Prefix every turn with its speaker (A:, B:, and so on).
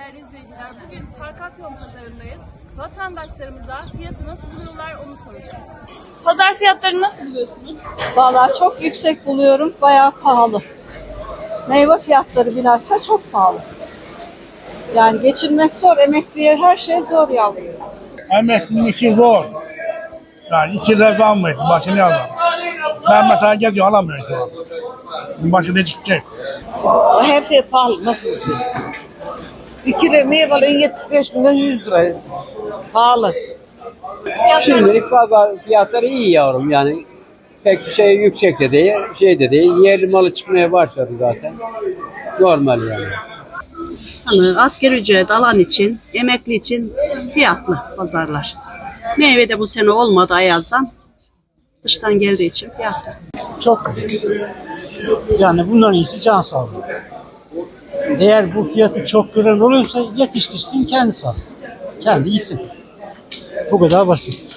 A: değerli izleyiciler. Bugün Parkatyon pazarındayız. Vatandaşlarımıza fiyatı nasıl buluyorlar onu soracağız. Pazar fiyatlarını nasıl buluyorsunuz?
B: Vallahi çok yüksek buluyorum, bayağı pahalı. Meyve fiyatları bilhassa çok pahalı. Yani geçinmek zor, emekliye her şey zor yavrum.
C: Emeklinin işi zor. Yani 2 lira almıyor, başını alalım. Ben mesela geziyorum, alamıyorum şu an. Bizim başında hiçbir şey.
D: Her şey pahalı. Nasıl ucuz? 2 lira meyvelerin 75 milyon 100 lira. Pahalı.
E: Şimdilik pazar fiyatları iyi yavrum yani. Pek şey yüksek de değil, şey de değil. Yerli malı çıkmaya başladı zaten. Normal yani.
F: Hani asgari ücret alan için, emekli için fiyatlı pazarlar. Meyve de bu sene olmadı ayazdan. Dıştan geldiği için fiyatlı.
G: Çok güzel. Yani bunların iyisi can sağlığı. Eğer bu fiyatı çok gören olursa yetiştirsin, kendi satsın. Kendi yesin. Bu kadar basit.